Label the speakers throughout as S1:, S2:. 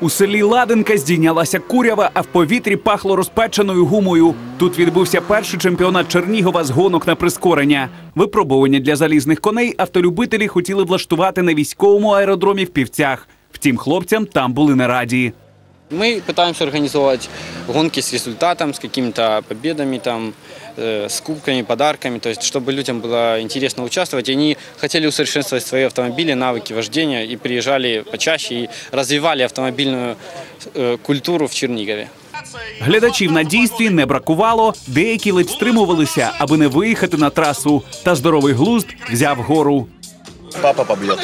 S1: У селі Ладенка здійнялася курява, а в повітрі пахло розпеченою гумою. Тут відбувся перший чемпіонат Чернігова з гонок на прискорення. Випробування для залізних коней автолюбителі хотіли влаштувати на військовому аеродромі в Півцях. Втім, хлопцям там були не раді.
S2: Мы пытаемся организовать гонки с результатом, с какими-то победами, с кубками, подарками, то есть, чтобы людям было интересно участвовать. И они хотели усовершенствовать свои автомобили, навыки вождения и приезжали почаще и развивали автомобильную культуру в Чернигове.
S1: Глядачів на дійстві не бракувало, деякі ледь стримувалися, аби не виїхати на трасу. Та здоровий глузд взяв гору.
S3: Папа побьет.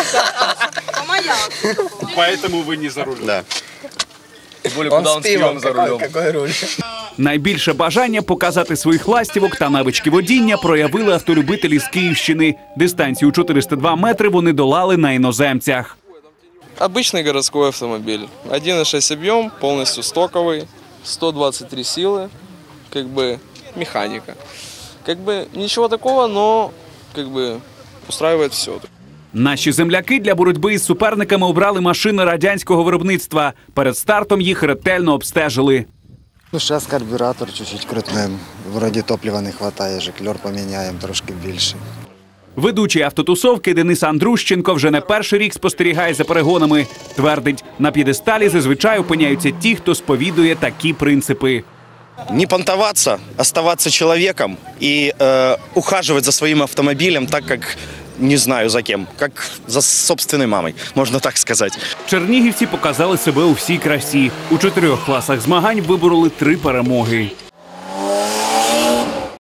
S1: Поэтому ви не за рулем.
S3: Да.
S4: Он с пивом за рулем.
S3: Какой руль?
S1: Найбільше бажання показати своїх ластівок та навички водіння проявили автолюбителі з Київщини. Дистанцію 402 метри вони долали на іноземцях.
S4: Обычный городской автомобиль. 1,6 объем, полностью стоковый, 123 силы, механика. Ничего такого, но устраивает все.
S1: Наші земляки для боротьби із суперниками обрали машини радянського виробництва. Перед стартом їх ретельно обстежили.
S5: Зараз карбюратор чуть-чуть крутнемо. Вроді топлива не вистачає, жиклер поміняємо трошки більше.
S1: Ведучий автотусовки Денис Андрущенко вже не перший рік спостерігає за перегонами. Твердить, на п'єдесталі зазвичай опиняються ті, хто сповідує такі принципи.
S3: Не понтоваться, оставаться человеком и ухаживать за своим автомобилем так, как не знаю за кем, как за собственной мамой, можно так сказать.
S1: Чернігівці показали себе у всій красі. У 4 класах змагань вибороли 3 перемоги.